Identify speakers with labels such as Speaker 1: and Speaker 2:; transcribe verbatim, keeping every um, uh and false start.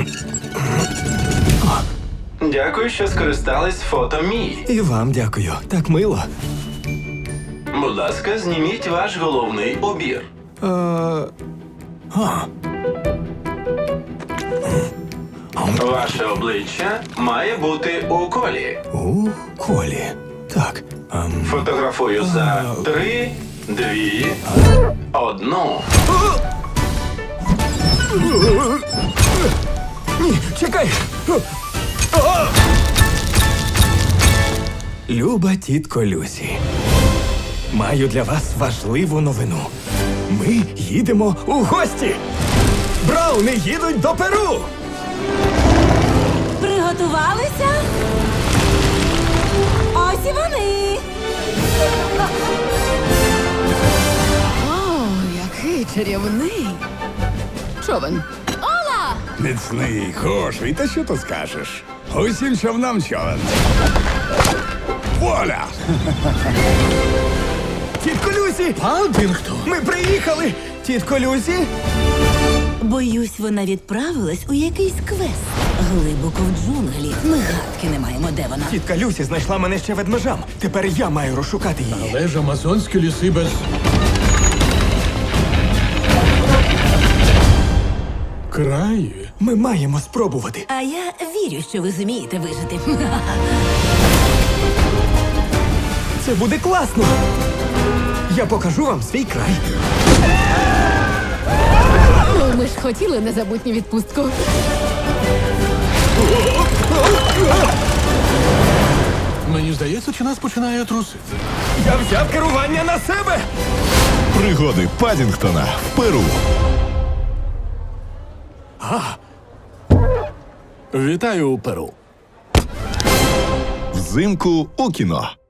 Speaker 1: Дякую, що скористались фото Мії.
Speaker 2: І вам дякую. Так мило.
Speaker 1: Будь ласка, зніміть ваш головний убір.
Speaker 2: Е... А.
Speaker 1: Ваше обличчя має бути у колі.
Speaker 2: У колі. Так. Ем...
Speaker 1: Фотографую за три, дві, одну.
Speaker 2: Ні, чекай! Люба тітко Люсі, маю для вас важливу новину. Ми їдемо у гості! Брауни їдуть до Перу!
Speaker 3: Приготувалися? Ось і вони!
Speaker 4: О, який чарівний човен. Ола!
Speaker 5: Міцний, хороший, та що ти скажеш? Усім човнам човен. Воля!
Speaker 2: Тітко Люсі!
Speaker 6: Падінгтон?
Speaker 2: Ми приїхали! Тітко Люсі!
Speaker 3: Боюсь, вона відправилась у якийсь квест. Глибоко в джунглі. Ми гадки не маємо, де вона.
Speaker 2: Тітка Люсі знайшла мене ще ведмежам. Тепер я маю розшукати її.
Speaker 6: Але ж амазонські ліси без... краї.
Speaker 2: Ми маємо спробувати.
Speaker 3: А я вірю, що ви зумієте вижити.
Speaker 2: Це буде класно! Я покажу вам свій край.
Speaker 4: Ну, ми ж хотіли незабутню відпустку.
Speaker 6: Мені здається, чи нас починає трусити.
Speaker 2: Я взяв керування на себе!
Speaker 5: Пригоди Падінгтона в Перу.
Speaker 6: Вітаю у Перу.
Speaker 5: Взимку у кіно.